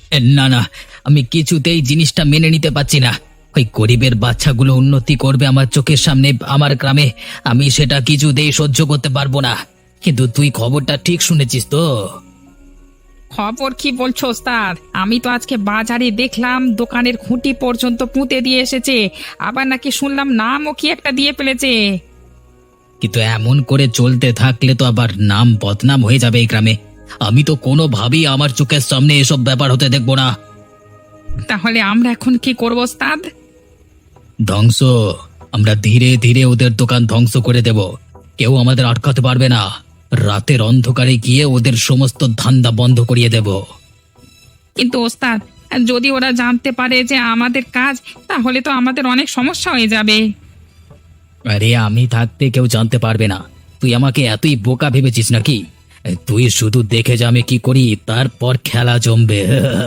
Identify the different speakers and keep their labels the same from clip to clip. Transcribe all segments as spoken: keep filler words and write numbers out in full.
Speaker 1: এ, না না, আমি কিছুতেই জিনিসটা মেনে নিতে পারছি না। ওই গরিবের বাচ্চাগুলো উন্নতি করবে আমার চোখের সামনে আমার গ্রামে, আমি সেটা কিছুতেই সহ্য করতে পারবো না। কিন্তু তুই খবরটা ঠিক শুনেছিস তো?
Speaker 2: খবর কি বলছো ওস্তাদ? আমি তো আজকে বাজারে দেখলাম দোকানের খুঁটি পর্যন্ত পুঁতে দিয়ে এসেছে। আবার নাকি শুনলাম নামও কি একটা দিয়ে ফেলেছে।
Speaker 1: কিন্তু এমন করে চলতে থাকলে তো আবার নাম বদনাম হয়ে যাবে এই গ্রামে। আমি তো কোনোভাবেই আমার চোখের সামনে এসব ব্যাপার হতে দেখবো না।
Speaker 2: তাহলে আমরা এখন কি করবো ওস্তাদ?
Speaker 1: ধ্বংস। আমরা ধীরে ধীরে ওদের দোকান ধ্বংস করে দেব। কেউ আমাদের আটকাতে পারবে না। রাতের অন্ধকারে গিয়ে ওদের সমস্ত ধান্দা বন্ধ করিয়ে দেব।
Speaker 2: কিন্তু ওস্তাদ, যদি ওরা জানতে পারে যে আমাদের কাজ, তাহলে তো আমাদের অনেক সমস্যা হয়ে যাবে।
Speaker 1: আরে আমি থাকতে কেউ জানতে পারবে না। তুই আমাকে এতই বোকা ভেবেছিস নাকি? তুই শুধু দেখে যা আমি কি করি, তারপর খেলা জমবে।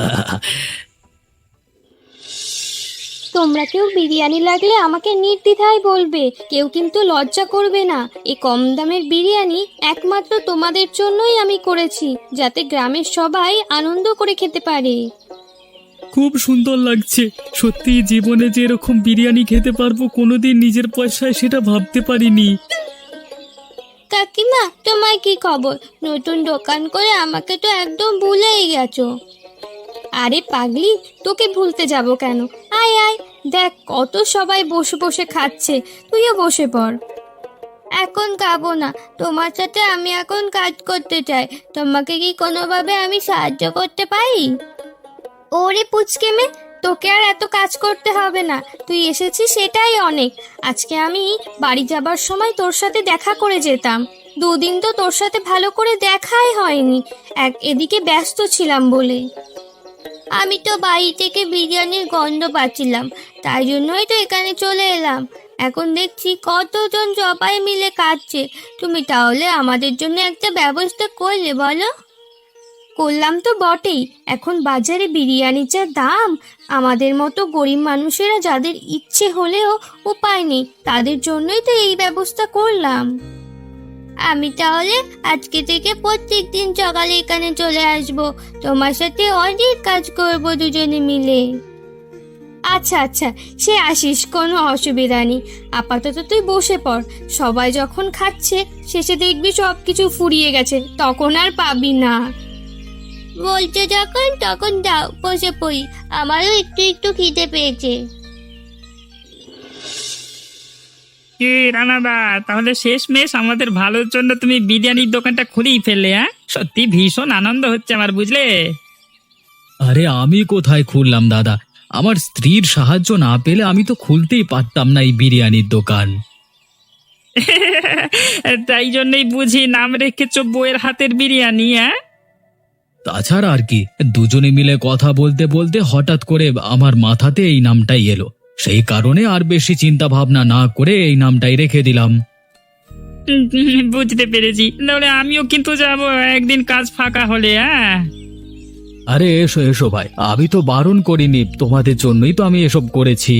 Speaker 3: তোমরা কেউ বিরিয়ানি লাগলে আমাকে নির্দ্বিধায় বলবে, কেউ কিন্তু লজ্জা করবে না। এই কম দামের বিরিয়ানি একমাত্র তোমাদের জন্যই আমি করেছি, যাতে গ্রামের সবাই আনন্দ করে খেতে পারে।
Speaker 4: খুব সুন্দর লাগছে। সত্যি জীবনে যে এরকম বিরিয়ানি খেতে পারবো কোনোদিন নিজের পয়সায়, সেটা ভাবতে পারিনি।
Speaker 3: কাকিমা, তোমার কি খবর? নতুন দোকান করে আমাকে তো একদম ভুলেই গেছো। আরে পাগলি, তোকে ভুলতে যাব কেন? আয় আয়, দেখ কত সবাই বসে বসে খাচ্ছে, তুইও বসে পড়। এখন খাবো না, তোমার সাথে আমি এখন কাজ করতে চাই। তোমাকে কি কোনোভাবে আমি সাহায্য করতে পারি? ওরে পুচকে মে, তোকে আর এত কাজ করতে হবে না, তুই এসেছিস সেটাই অনেক। আজকে আমি বাড়ি যাবার সময় তোর সাথে দেখা করে যেতাম। দুদিন তো তোর সাথে ভালো করে দেখাই হয়নি, এক এদিকে ব্যস্ত ছিলাম বলে। আমি তো বাড়ি থেকে বিরিয়ানির গন্ধ পাচ্ছিলাম, তাই জন্যই তো এখানে চলে এলাম। এখন দেখছি কতজন সবাই মিলে খাচ্ছে, তুমি তাহলে আমাদের জন্য একটা ব্যবস্থা করলে বলো? করলাম তো বটেই। এখন বাজারে বিরিয়ানির যা দাম, আমাদের মতো গরিব মানুষেরা যাদের ইচ্ছে হলেও উপায় নেই, তাদের জন্যই তো এই ব্যবস্থা করলাম। আমি তাহলে আজকে থেকে প্রত্যেক দিন সকালে এখানে চলে আসব, তোমার সাথে অনেক কাজ করব দুজনে মিলে। আচ্ছা আচ্ছা, সে আসিস, কোনো অসুবিধা নেই। আপাতত তুই বসে পড়, সবাই যখন খাচ্ছে শেষে দেখবি সব কিছু ফুরিয়ে গেছে, তখন আর পাবি না। বলছে যখন তখন দাও, বসে পড়ি, আমারও একটু একটু খিদে পেয়েছে।
Speaker 2: কি রানাদা, তাহলে শেষমেশ আমাদের ভালোর জন্য তুমি বিরিয়ানির দোকানটা খুলেই ফেললে? হ্যাঁ, সত্যি ভীষণ আনন্দ হচ্ছে আমার, বুঝলে?
Speaker 1: আরে আমি কোথায় খুললাম দাদা? আমার স্ত্রীর সাহায্য না পেলে আমি তো খুলতেই পারতাম না এই বিরিয়ানির দোকান।
Speaker 2: তাই জন্যই বুঝি নাম রেখেছো বউয়ের হাতের বিরিয়ানি। হ্যাঁ,
Speaker 1: তাছাড়া আর কি, দুজনে মিলে কথা বলতে বলতে হঠাৎ করে আমার মাথাতে এই নামটাই এলো। সেই কারণে আর বেশি চিন্তা ভাবনা না করে এই নামটাই রেখে দিলাম।
Speaker 2: উম, বুঝতে পেরেছি। তাহলে আমিও কিন্তু যাব একদিন কাজ ফাঁকা হলে। হ্যাঁ,
Speaker 1: আরে এসো এসো ভাই, আমি তো বারণ করিনি, তোমাদের জন্যই তো আমি এসব করেছি।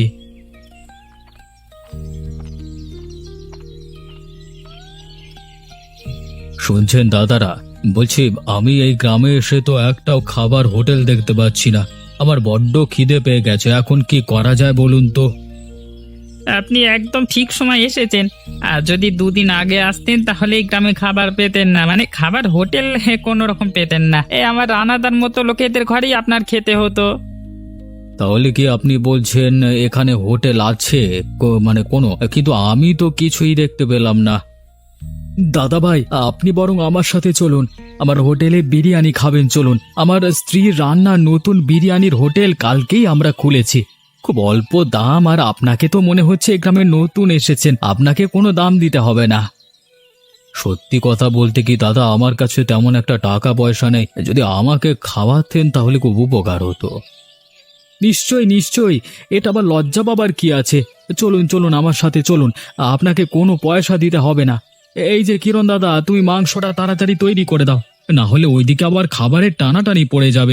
Speaker 1: শুনছেন দাদারা, বলছি আমি এই গ্রামে এসে তো একটাও খাবার হোটেল দেখতে পাচ্ছি না। আমার বড্ড খিদে পেয়ে গেছে, এখন কি করা যায় বলুন তো?
Speaker 2: আপনি একদম ঠিক সময় এসেছেন। আর যদি দুদিন আগে আসতেন তাহলে এই গ্রামে খাবার পেতেন না, মানে খাবার হোটেল কোনো রকম পেতেন না। এ আমার রানাদার মতো লোকেদের ঘরেই আপনার খেতে হতো।
Speaker 1: তাহলে কি আপনি বলছেন এখানে হোটেল আছে কো- মানে কোনো, কিন্তু আমি তো কিছুই দেখতে পেলাম না। দাদা ভাই, আপনি বরং আমার সাথে চলুন, আমার হোটেলে বিরিয়ানি খাবেন চলুন। আমার স্ত্রীর রান্না নতুন বিরিয়ানির হোটেল কালকেই আমরা খুলেছি, খুব অল্প দাম। আর আপনাকে তো মনে হচ্ছে এই গ্রামে নতুন এসেছেন, আপনাকে কোনো দাম দিতে হবে না। সত্যি কথা বলতে কি দাদা, আমার কাছে তেমন একটা টাকা পয়সা নেই, যদি আমাকে খাওয়াতেন তাহলে খুব উপকার হতো। নিশ্চয়ই নিশ্চয়ই, এটা আবার লজ্জা পাবার কি আছে? চলুন চলুন আমার সাথে চলুন, আপনাকে কোনো পয়সা দিতে হবে না। এই যে কিরণ দাদা, তুমি মাংসটা তাড়াতাড়ি তৈরি করে দাও, না হলে ওইদিকে আবার খাবারের টানাটানি পড়ে যাবে।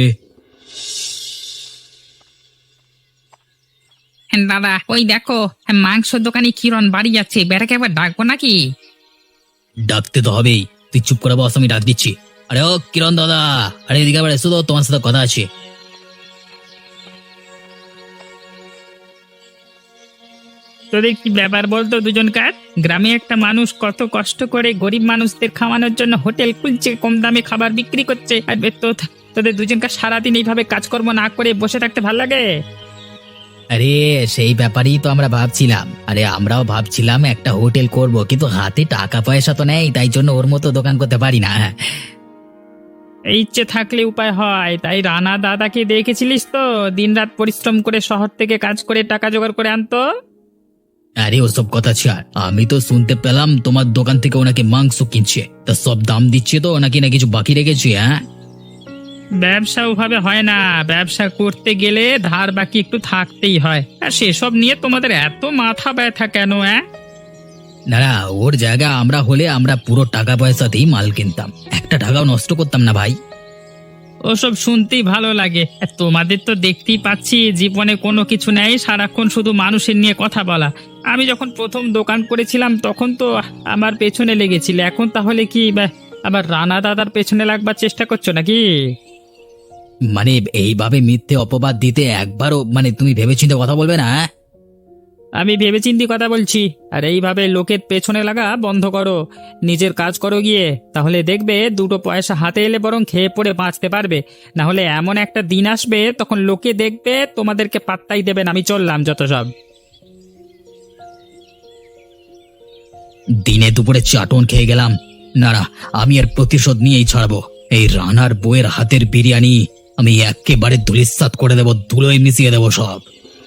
Speaker 2: দাদা, ওই দেখো মাংস দোকানি কিরণ বাড়ি যাচ্ছে, বেটাকে একবার ডাকবো নাকি?
Speaker 1: ডাকতে তো হবেই, তুই চুপ করে বস, আমি ডাক দিচ্ছি। আরে ও কিরণ দাদা, আরে এদিকে আবার এসো তো, তোমার সাথে কথা আছে।
Speaker 2: তোদের কি ব্যাপার বলতো দুজনকার? গ্রামে একটা মানুষ কত কষ্ট করে গরিব মানুষদের খাওয়ানোর জন্য হোটেল খুলছে, কম দামে খাবার বিক্রি করছে, আর বে তো তোদের দুজনকার সারাদিন এইভাবে কাজকর্ম না করে বসে থাকতে ভাল লাগে?
Speaker 5: আরে সেই ব্যাপারেই তো আমরা ভাবছিলাম। আরে আমরাও ভাবছিলাম একটা হোটেল করব, কিন্তু হাতে টাকা পয়সা তো নেই, তাই জন্য ওর মতো দোকান করতে পারি না।
Speaker 2: এই ইচ্ছে থাকলে উপায় হয়। তাই রানা দাদাকে দেখেছিলিস তো, দিনরাত পরিশ্রম করে শহর থেকে কাজ করে টাকা জোগাড় করে আনতো।
Speaker 5: আরে ওসব কথা ছাড়, আমি তো শুনতে পেলাম তোমার দোকান থেকে ওনাকে মাংস কিনছে, তা সব দাম দিচ্ছে তো নাকি না কিছু বাকি রেখেছে? হ্যাঁ,
Speaker 2: ব্যবসা ওভাবে হয় না। ব্যবসা করতে গেলে ধার বাকি একটু থাকতেই হয়। আর সেসব নিয়ে তোমাদের এত মাথা ব্যথা কেন? হ্যাঁ,
Speaker 5: না না, ওর জায়গা আমরা হলে আমরা পুরো টাকা পয়সাতেই মাল কিনতাম, একটা টাকাও নষ্ট করতাম না ভাই।
Speaker 2: ওসব শুনতেই ভালো লাগে। আর তোমাদের তো দেখতেই পাচ্ছি জীবনে কোনো কিছু নেই, সারাক্ষণ শুধু মানুষের নিয়ে কথা বলা। আমি যখন প্রথম দোকান করেছিলাম তখন তো আমার পেছনে লেগেছিলে, এখন তাহলে কি বা- আবার রানা দাদার পেছনে লাগবার চেষ্টা করছো নাকি?
Speaker 5: মানে এইভাবে মিথ্যে অপবাদ দিতে একবারও মানে তুমি ভেবেচিন্তে কথা বলবে না? হ্যাঁ?
Speaker 2: আমি ভেবেচিন্তি কথা বলছি। আর এইভাবে লোকের পেছনে লাগা বন্ধ করো, নিজের কাজ করো গিয়ে, তাহলে দেখবে দুটো পয়সা হাতে এলে বরং খেয়ে পড়ে বাঁচতে পারবে। না হলে এমন একটা দিন আসবে তখন লোকে দেখবে তোমাদেরকে পাত্তাই দেবে না। আমি চললাম যত সব।
Speaker 5: দিনে দুপুরে চাটন খেয়ে গেলাম, না না, আমি এর প্রতিশোধ নিয়েই ছাড়বো। এই রানার বউয়ের হাতের বিরিয়ানি আমি একেবারে ধুলিস্যাৎ করে দেবো, ধুলোয় মিশিয়ে দেবো সব।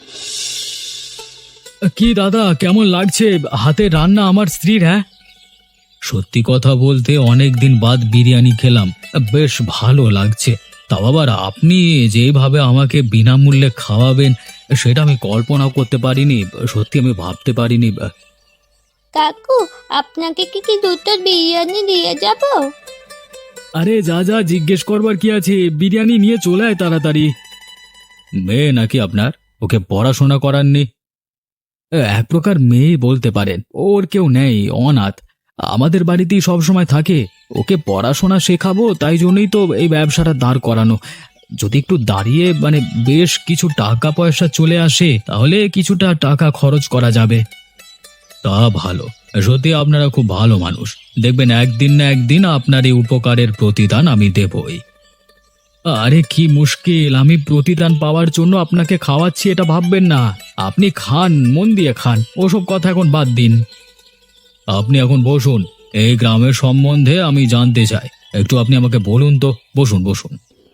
Speaker 1: কি দাদা, কেমন লাগছে হাতের রান্না আমার স্ত্রীর? হ্যাঁ, সত্যি কথা বলতে অনেক দিন বাদ বিরিয়ানি খেলাম, বেশ ভালো লাগছে। তাও আবার আপনি যেভাবে আমাকে বিনামূল্যে খাওয়াবেন সেটা আমি কল্পনা করতে পারিনি, সত্যি আমি ভাবতে পারিনি।
Speaker 3: কাকু, আপনাকে কি কি দুটো বিরিয়ানি দিয়ে যাব?
Speaker 1: আরে যা যা, জিজ্ঞেস করবার কি আছে, বিরিয়ানি নিয়ে চলে আয় তাড়াতাড়ি। মেয়ে নাকি আপনার? ওকে পড়াশোনা করাননি? এক প্রকার মেয়ে বলতে পারেন, ওর কেউ নেই, অনাথ, আমাদের বাড়িতেই সব সময় থাকে। ওকে পড়াশোনা শেখাবো, তাই জন্যই তো এই ব্যবসাটা দাঁড় করানো। যদি একটু দাঁড়িয়ে মানে বেশ কিছু টাকা পয়সা চলে আসে তাহলে কিছুটা টাকা খরচ করা যাবে। তা ভালো, সত্যি আপনারা খুব ভালো মানুষ। দেখবেন একদিন না একদিন আপনার এই উপকারের প্রতিদান আমি দেবই। আরে কি মুশকিল, আমি প্রতিদান পাওয়ার জন্য আপনাকে খাওয়াচ্ছি এটা ভাববেন না। আপনি খান, মন দিয়ে খান, ওসব কথা এখন বাদ দিন। আপনি এখন বসুন, এই গ্রামের সম্বন্ধে আমি জানতে চাই, একটু আপনি আমাকে বলুন তো। বসুন বসুন।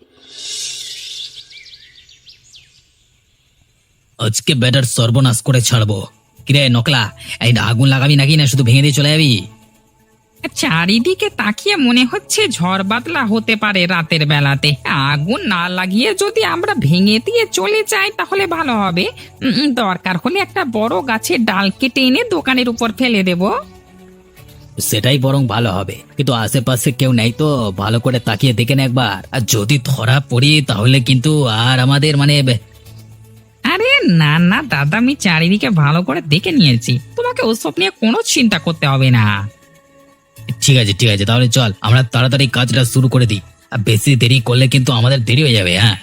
Speaker 5: আজকে ব্যাটার সর্বনাশ করে ছাড়বো। কিরে নকলা, এই আগুন লাগাবি নাকি না শুধু ভেঙে দিয়ে চলে যাবি?
Speaker 2: চারিদিকে তাকিয়ে মনে হচ্ছে ঝড় বাদলা হতে পারে রাতের বেলাতে। আগুন না লাগিয়ে যদি আমরা ভেঙে দিয়ে চলে যাই তাহলে ভালো হবে। উম, দরকার হলে একটা বড় গাছের ডাল কেটে এনে দোকানের উপর ফেলে দেব।
Speaker 5: সেটাই বরং ভালো হবে, কিন্তু আশেপাশে কেউ নেই তো, ভালো করে তাকিয়ে দেখে না একবার। আর যদি ধরা পড়ি তাহলে কিন্তু আর আমাদের মানে
Speaker 2: আরে না না দাদা, আমি চারিদিকে ভালো করে দেখে নিয়েছি, তোমাকে ওসব নিয়ে কোনো চিন্তা করতে হবে না।
Speaker 5: ঠিক আছে ঠিক আছে, তাহলে চল আমরা তাড়াতাড়ি কাজটা শুরু করে দিই। আর বেশি দেরি করলে কিন্তু আমাদের দেরি হয়ে যাবে। হ্যাঁ,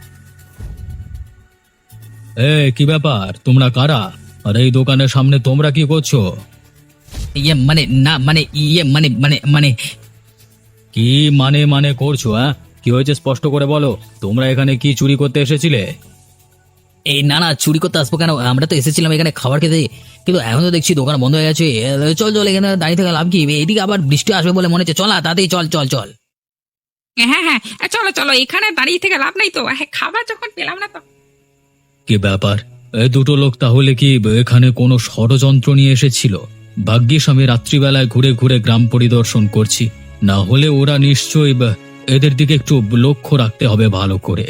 Speaker 1: এ কি ব্যাপার, তোমরা কারা? আর এই দোকানের সামনে তোমরা কি করছো?
Speaker 5: ইয়ে মানে না মানে ইয়ে মানে মানে মানে
Speaker 1: কি মানে মানে করছো? হ্যাঁ, কি হয়েছে স্পষ্ট করে বলো। তোমরা এখানে কি চুরি করতে এসেছিলে?
Speaker 5: এই না না, চুরি করতে আসবো কেন? আমরা তো এসেছিলাম এখানে খাবার খেতে, কিন্তু এখন তো দেখছি দোকান বন্ধ হয়ে গেছে। চল চল, এখানে দাঁড়িয়ে থাকা লাভ কি? এইদিকে আবার বৃষ্টি আসবে বলে মনে হচ্ছে, চল না তাড়াতাড়ি চল চল চল।
Speaker 2: হ্যাঁ হ্যাঁ, চলো চলো, এখানে দাঁড়িয়ে থেকে লাভ নেই তো, হ্যাঁ, খাবার যখন পেলাম না তো।
Speaker 1: কি ব্যাপার, এই দুটো লোক তাহলে কি এখানে কোনো ষড়যন্ত্র নিয়ে এসেছিল? ভাগ্যিস আমি রাত্রিবেলায় ঘুরে ঘুরে গ্রাম পরিদর্শন করছি, না হলে ওরা নিশ্চয়ই বা- এদের দিকে একটু লক্ষ্য রাখতে হবে ভালো করে।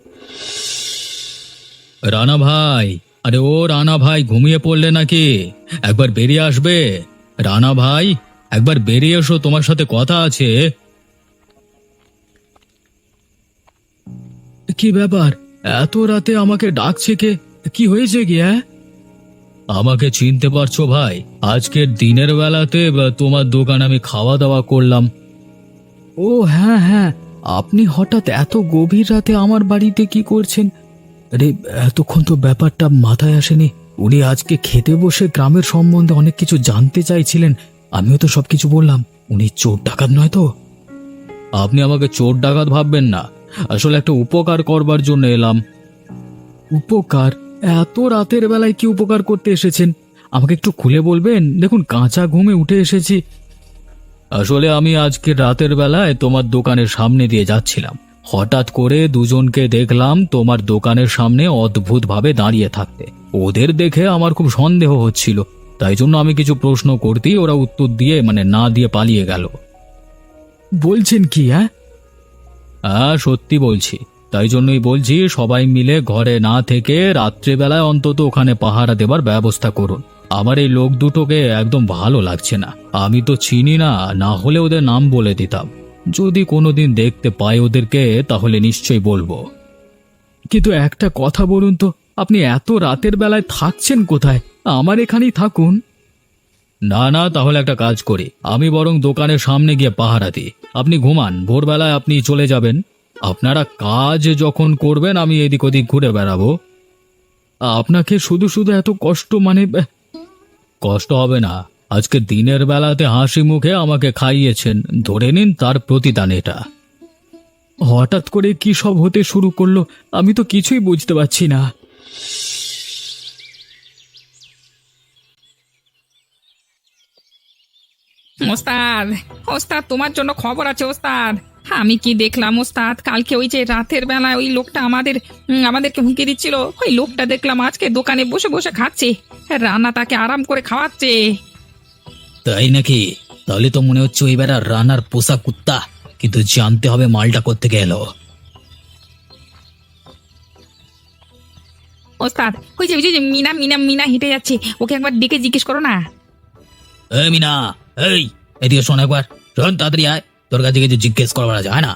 Speaker 1: রানা ভাই, আরে ও রানা ভাই, ঘুমিয়ে পড়লে নাকি? একবার বেরিয়ে আসবে। রানা ভাই, একবার বেরিয়ে এসো, তোমার সাথে কথা আছে। কি ব্যাপার, এত রাতে আমাকে ডাকছে কে? কি হয়েছে কি? হ্যাঁ, আমাকে চিনতে পারছো ভাই? আজকের দিনের বেলাতে বা, তোমার দোকান আমি খাওয়া দাওয়া করলাম। ও হ্যাঁ হ্যাঁ, আপনি হঠাৎ এত গভীর রাতে আমার বাড়িতে কি করছেন? আরে এতক্ষণ তো ব্যাপারটা মাথায় আসেনি। উনি আজকে খেতে বসে গ্রামের সম্বন্ধে অনেক কিছু জানতে চাইছিলেন, আমিও তো সবকিছু বললাম। উনি চোর ডাকাত নয় তো? আপনি আমাকে চোর ডাকাত ভাববেন না, আসলে একটা উপকার করবার জন্য এলাম। উপকার? এত রাতের বেলায় কি উপকার করতে এসেছেন? আমাকে একটু খুলে বলবেন? দেখুন, কাঁচা ঘুমে উঠে এসেছি। আসলে আমি আজকে রাতের বেলায় তোমার দোকানের সামনে দিয়ে যাচ্ছিলাম, হঠাৎ করে দুজনকে দেখলাম তোমার দোকানের সামনে অদ্ভুতভাবে দাঁড়িয়ে থাকতে। ওদের দেখে আমার খুব সন্দেহ হচ্ছিল, তাই জন্য আমি কিছু প্রশ্ন করতেই ওরা উত্তর দিয়ে মানে না দিয়ে পালিয়ে গেল। বলছেন কি? হ্যাঁ হ্যাঁ সত্যি বলছি। তাই জন্যই বলছি, সবাই মিলে ঘরে না থেকে রাত্রেবেলায় অন্তত ওখানে পাহারা দেবার ব্যবস্থা করুন। আমার এই লোক দুটোকে একদম ভালো লাগছে না। আমি তো চিনি না, না হলে ওদের নাম বলে দিতাম। যদি কোনোদিন দেখতে পাই ওদেরকে তাহলে নিশ্চয়ই বলবো। কিন্তু একটা কথা বলুন তো, আপনি এত রাতের বেলায় থাকছেন কোথায়? আমার এখানেই থাকুন। না না, তাহলে একটা কাজ করি, আমি বরং দোকানের সামনে গিয়ে পাহারা দিই। আপনি ঘুমান, ভোরবেলায় আপনি চলে যাবেন। আপনারা কাজ যখন করবেন আমি এদিক ওদিক ঘুরে বেড়াবো। আপনাকে শুধু শুধু এত কষ্ট মানে? কষ্ট হবে না, আজকে দিনের বেলাতে হাসি মুখে আমাকে খাইয়েছেন, ধরে নিন তার প্রতিদান এটা। হঠাৎ করে কি সব হতে শুরু করলো, আমি তো কিছুই বুঝতে পারছি না।
Speaker 2: ওস্তাদ, ওস্তাদ তোমার জন্য খবর আছে ওস্তাদ। আমি কি দেখলাম ওস্তাদ, কালকে ওই যে রাতের বেলায় ওই লোকটা আমাদের উম, আমাদেরকে হুমকি দিচ্ছিল, ওই লোকটা দেখলাম আজকে দোকানে বসে বসে খাচ্ছে, রান্না তাকে আরাম করে খাওয়াচ্ছে।
Speaker 5: তাই নাকি? তাহলে তো মনে হচ্ছে ওই বেড়া রানার পোষা কুত্তা, কিন্তু জানতে হবে মালটা করতে গেল।
Speaker 2: ওস্তাদ, ওই যে ওই যে মিনা মিনা মিনা হেঁটে যাচ্ছে, ওকে একবার ডেকে জিজ্ঞেস করো না।
Speaker 5: এই মিনা, এই এদিকে শোন একবার, শোন তাড়াতাড়ি আয়, তোর কাছে কিছু জিজ্ঞেস করবার আছে, হয় না?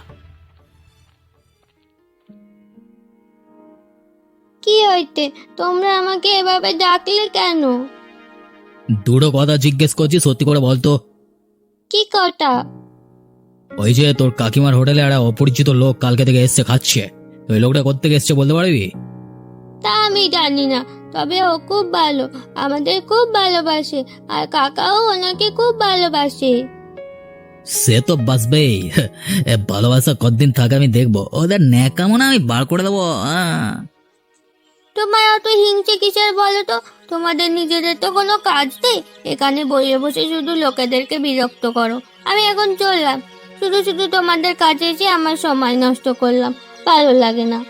Speaker 3: কি হইতে তোমরা আমাকে এভাবে ডাকলে কেন?
Speaker 5: দুটো কথা জিজ্ঞেস করছি, সত্যি করে বলতো।
Speaker 3: কি কটা?
Speaker 5: ওই যে তোর কাকিমার হোটেলে একটা অপরিচিত লোক কালকে থেকে এসছে খাচ্ছে, ওই লোকটা কোত্থেকে এসছে বলতে পারবি?
Speaker 3: তা আমি জানি না, তবে ও খুব ভালো, আমাদের খুব ভালোবাসে, আর কাকাও ওনাকে খুব ভালোবাসে।
Speaker 5: সে তো বাসবেই, এ ভালোবাসা কতদিন থাকে আমি দেখবো, ওদের ন্যাকামো না আমি বার করে দেবো। আহ।
Speaker 3: তোমার অত হিংসে কিসের বলো তো? তোমাদের নিজেদের তো কোনো কাজ নেই, এখানে বসে বসে শুধু লোকেদেরকে বিরক্ত করো। আমি এখন চললাম, শুধু শুধু তোমাদের কাছে এসে আমার সময় নষ্ট করলাম, ভালো লাগে না।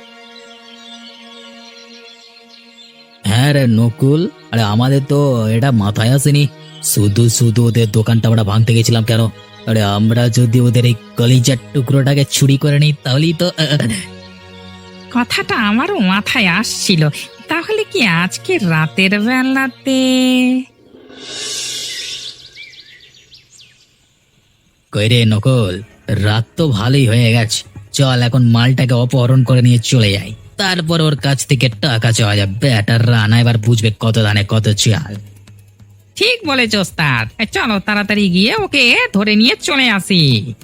Speaker 5: হ্যাঁ রে নকুল, আরে আমাদের তো এটা মাথায় আসেনি, শুধু শুধু ওদের দোকানটা আমরা ভাঙতে গেছিলাম কেন? আরে আমরা যদি ওদের এই কলিজার টুকরোটাকে চুরি করে নিই তাহলেই তো।
Speaker 2: কথাটা আমারও মাথায় আসছিল, তাহলে কি আজকে রাতের বেলাতে?
Speaker 5: কই রে নকুল, রাত তো ভালোই হয়ে গেছে, চল এখন মালটাকে অপহরণ করে নিয়ে চলে যাই, তারপর ওর কাছ থেকে টাকা চাওয়া যাবে। ব্যাটার রানা এবার বুঝবে কত দানে কত চাল।
Speaker 2: ঠিক বলেছ ওস্তাদ, এই চলো তাড়াতাড়ি গিয়ে ওকে ধরে নিয়ে চলে আসি।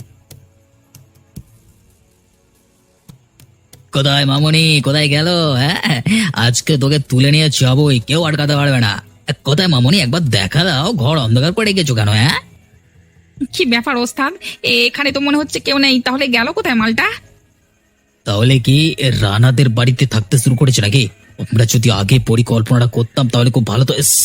Speaker 5: কোথায় মামনি, কোথায় গেল? হ্যাঁ, আজকে তোকে তুলে নিয়ে যাবোই, কেউ আটকাতে পারবে না। কোথায় মামনি, একবার দেখা দাও, ঘর অন্ধকার করে গেছো কেন? হ্যাঁ,
Speaker 2: কি ব্যাপার ওস্তাদ, এখানে তো মনে হচ্ছে কেউ নেই, তাহলে গেল কোথায় মালটা?
Speaker 5: তাহলে কি রানাদের বাড়িতে থাকতে শুরু করেছে নাকি? আমরা যদি আগে পরিকল্পনাটা করতাম তাহলে খুব ভালো তো। ইস,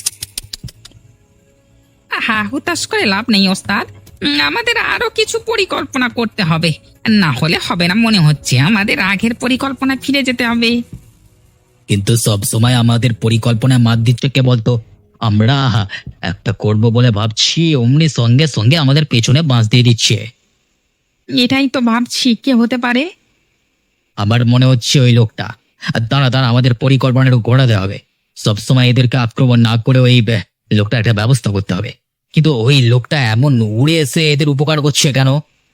Speaker 2: হ্যাঁ, হুতাশ করে লাভ নেই ওস্তাদ, উম, আমাদের আরো কিছু পরিকল্পনা করতে হবে, না হলে হবে না। মনে হচ্ছে আমাদের আগের পরিকল্পনা ফিরে যেতে হবে।
Speaker 5: কিন্তু সব সময় আমাদের পরিকল্পনায় মাত দিচ্ছে কে বলতো? আমরা একটা করব বলে ভাবছি, অমনি সঙ্গে সঙ্গে আমাদের পেছনে বাঁশ দিয়ে দিচ্ছে।
Speaker 2: এটাই তো ভাবছি, কে হতে পারে?
Speaker 5: আমার মনে হচ্ছে ওই লোকটা। আর দাঁড়া দাঁড়া, আমাদের পরিকল্পনাটা একটু ঘোরাতে হবে। সবসময় এদেরকে আক্রমণ না করে ওই বে- লোকটা একটা ব্যবস্থা করতে হবে। কিন্তু ওই লোকটা এমন উড়ে এসে এদের উপকার করছে কেন?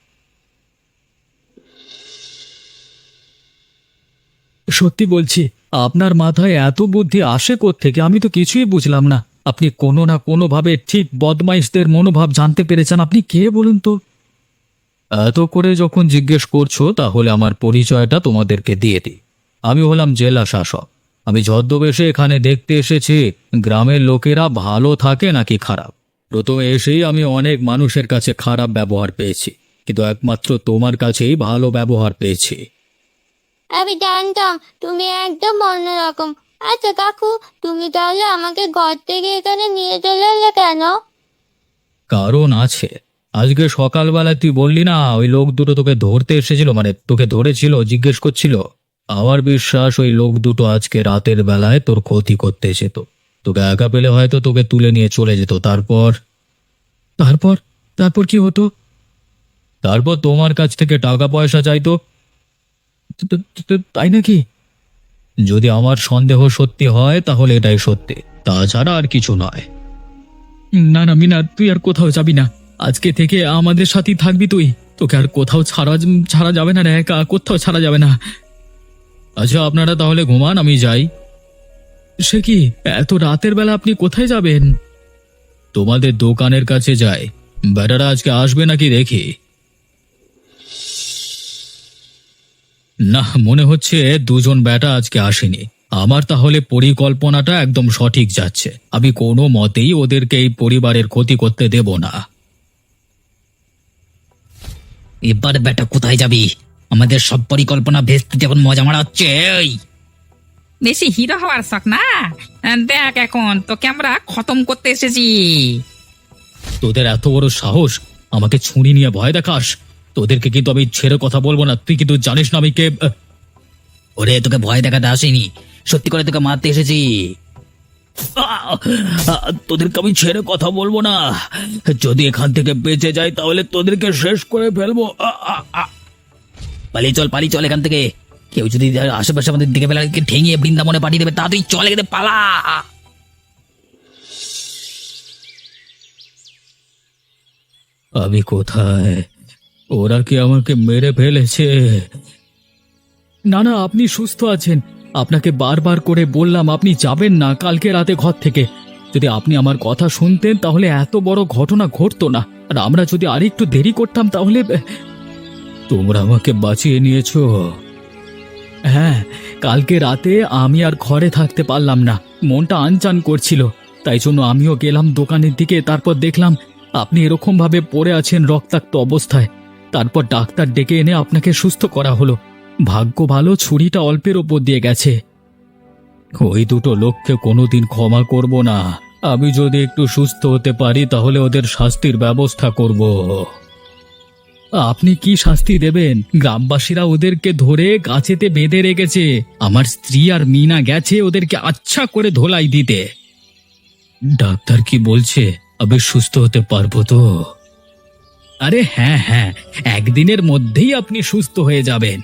Speaker 1: সত্যি বলছি, আপনার মাথায় এত বুদ্ধি আসে কোত্থেকে আমি তো কিছুই বুঝলাম না। আপনি কোনো না কোনো ভাবে ঠিক বদমাইশদের মনোভাব জানতে পেরেছেন। আপনি কে বলুন তো? এত করে যখন জিজ্ঞেস করছো তাহলে আমার পরিচয়টা তোমাদেরকে দিয়ে দিই। আমি হলাম জেলা শাসক, আমি ছদ্মবেশে এখানে দেখতে এসেছি গ্রামের লোকেরা ভালো থাকে নাকি খারাপ। প্রথমে এসেই আমি অনেক মানুষের কাছে খারাপ ব্যবহার পেয়েছি, কিন্তু একমাত্র তোমার কাছেই ভালো ব্যবহার পেয়েছি।
Speaker 3: আমি জানতাম তুমি একদম অন্যরকম। আচ্ছা কাকু, তুমি তাহলে আমাকে ঘর থেকে এখানে নিয়ে চলে এলে কেন?
Speaker 1: কারণ আছে। আজকে সকালবেলা তুই বললি না ওই লোক দুটো তোকে ধরতে এসেছিল, মানে তোকে ধরেছিল, জিজ্ঞেস করছিল। আমার বিশ্বাস ওই লোক দুটো আজকে রাতের বেলায় তোর ক্ষতি করতে যেত। তোকে একা পেলে হয়তো তোকে তুলে নিয়ে চলে যেত। তারপর তারপর তারপর কি হতো? তারপর তোমার কাছ থেকে টাকা পয়সা চাইতো। তো- তো- তো- তো- তাই নাকি? যদি আমার সন্দেহ সত্যি হয় তাহলে এটাই সত্যি, তাছাড়া আর কিছু নয়।
Speaker 4: না না মিনা, তুই আর কোথাও যাবি না। আজকে থেকে আমাদের সাথেই থাকবি তুই। তোকে আর কোথাও ছাড়া ছাড়া যাবে না রে, একা কোথাও ছাড়া যাবে না।
Speaker 1: আচ্ছা আপনারা তাহলে ঘুমান, আমি যাই।
Speaker 4: সে কি, এত রাতের বেলা আপনি কোথায় যাবেন?
Speaker 1: তোমাদের দোকানের কাছে যাই। বেটারা আজকে আসবে নাকি দেখি। না, মনে হচ্ছে দুজন বেটা আজকে আসেনি। আমার তাহলে পরিকল্পনাটা একদম সঠিক যাচ্ছে। আমি কোনো মতেই ওদেরকে এই পরিবারের ক্ষতি করতে দেব না।
Speaker 5: এবার বেটা কোথায় যাবি? আমাদের সব পরিকল্পনা ভেস্তে যখন মজা মারা হচ্ছে। এই
Speaker 2: বেশি হিরো হওয়ার শখ না? আহ, দেখ এখন তোকে আমরা খতম করতে এসেছি।
Speaker 1: তোদের এত বড় সাহস আমাকে ছুরি নিয়ে ভয় দেখাস? তোদেরকে কিন্তু আমি ছেড়ে কথা বলবো না। তুই কিন্তু জানিস না আমি কে।
Speaker 5: ওরে, তোকে ভয় দেখাতে আসেনি, সত্যি করে তোকে মারতে এসেছি।
Speaker 1: তোদেরকে আমি ছেড়ে কথা বলবো না। যদি এখান থেকে বেঁচে যাই তাহলে তোদেরকে শেষ করে ফেলবো। আ, আ, আ।
Speaker 5: পালিয়ে চল, পালিয়ে চল এখান থেকে। কেউ যদি আশেপাশে আমাদের দিকে ফেলে ঠেঙিয়ে বৃন্দাবনে পাঠিয়ে দেবে। তা তুই চলে গেলে পালা।
Speaker 1: আমি কোথায়? ওরা কি আমাকে মেরে ফেলেছে?
Speaker 4: না না, আপনি সুস্থ আছেন। আপনাকে বারবার করে বললাম আপনি যাবেন না কালকে রাতে ঘর থেকে। যদি আপনি আমার কথা শুনতেন তাহলে এত বড় ঘটনা ঘটতো না। আর আমরা যদি আরেকটু দেরি করতাম তাহলে।
Speaker 1: তোমরা আমাকে বাঁচিয়ে নিয়েছো।
Speaker 4: হ্যাঁ, কালকে রাতে আমি আর ঘরে থাকতে পারলাম না, মনটা আনচান করছিল। তাই জন্য আমিও গেলাম দোকানের দিকে। তারপর দেখলাম আপনি এরকম ভাবে পড়ে আছেন রক্তাক্ত অবস্থায়। তারপর ডাক্তার ডেকে এনে আপনাকে সুস্থ করা হলো। ভাগ্য ভালো, ছুরিটা অল্পের ওপর দিয়ে গেছে।
Speaker 1: ওই দুটো লোককে কোনোদিন ক্ষমা করব না। আমি যদি একটু সুস্থ হতে পারি তাহলে ওদের শাস্তির ব্যবস্থা করব।
Speaker 4: আপনি কি শাস্তি দেবেন? গ্রামবাসীরা ওদেরকে ধরে গাছেতে বেঁধে রেখেছে। আমার স্ত্রী আর মিনা গেছে ওদেরকে আচ্ছা করে ধোলাই দিতে।
Speaker 1: ডাক্তার কি বলছে আমি সুস্থ হতে পারবো তো?
Speaker 4: আরে হ্যাঁ হ্যাঁ, একদিনের মধ্যেই আপনি সুস্থ হয়ে যাবেন।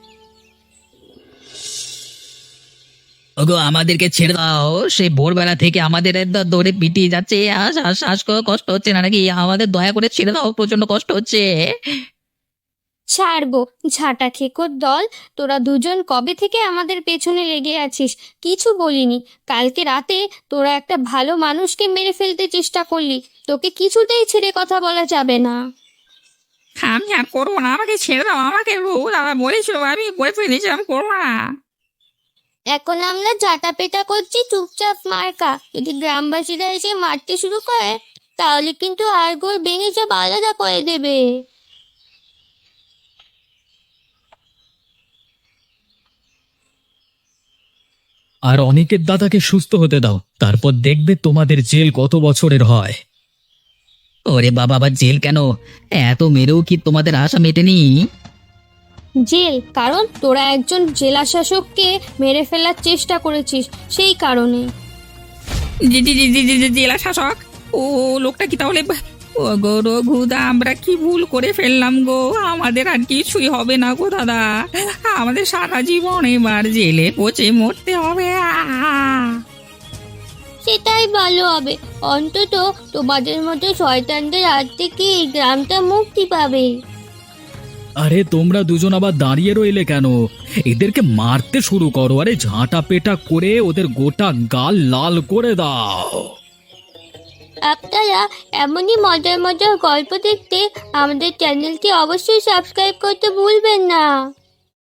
Speaker 5: ওগো, আমাদেরকে ছেড়ে দাও। সেই ভোরবেলা থেকে আমাদের একদম দৌড়ে পিটিয়ে যাচ্ছে। আর শ্বাস শ্বাস করে কষ্ট হচ্ছে না নাকি? আমাদের দয়া করে ছেড়ে দাও, প্রচন্ড কষ্ট হচ্ছে।
Speaker 3: ছাড়বো? ঝাঁটা খেকোর দল, তোরা দুজন কবে থেকে আমাদের পেছনে লেগে আছিস? কিছু বলিনি। কালকে রাতে তোরা একটা ভালো মানুষকে মেরে ফেলতে চেষ্টা করলি। তোকে কিছুতেই ছেড়ে কথা বলা যাবে না।
Speaker 2: আমি আর করবো না, আমাকে ছেড়ে দাও। আমাকে রোজ দাদা বলেছিল, আমি বলে ফেলেছি আমি করবো না।
Speaker 3: এখন আমরা ঝাঁটা পেটা করছি, চুপচাপ মার্কা। যদি গ্রামবাসীরা এসে মারতে শুরু করে তাহলে কিন্তু হাড়গোড় ভেঙে সব আলাদা করে দেবে।
Speaker 4: আর অনেকের দাদাকে সুস্থ হতে দাও, তারপর দেখবে তোমাদের জেল কত বছরের হয়।
Speaker 5: ওরে বাবা, আবার জেল কেন? এত মেরেও কি তোমাদের আশা মেটেনি?
Speaker 3: জেল কারণ তোরা একজন জেলা শাসককে মেরে ফেলার চেষ্টা করেছিস, সেই কারণে।
Speaker 2: জি জি জি জি জি জি, জেলা শাসক? ও লোকটা কি তাহলে? ও গো রঘুদা, আমরা কি ভুল করে ফেললাম গো? আমাদের আর কিছুই হবে না গো দাদা। আমাদের সারা জীবন এবার জেলে পচে মরতে হবে। আহ!
Speaker 3: সেটাই ভালো হবে। অন্তত তোমাদের মতো শয়তানদের হাত থেকে এই গ্রামটা মুক্তি পাবে।
Speaker 4: আরে তোমরা দুজন আবার দাঁড়িয়ে রইলে কেন? এদেরকে মারতে শুরু করো। আরে ঝাঁটা পেটা করে ওদের গোটা গাল লাল করে দাও।
Speaker 3: আপনারা এমনই মজার মজার গল্প দেখতে আমাদের চ্যানেলটি অবশ্যই সাবস্ক্রাইব করতে ভুলবেন না।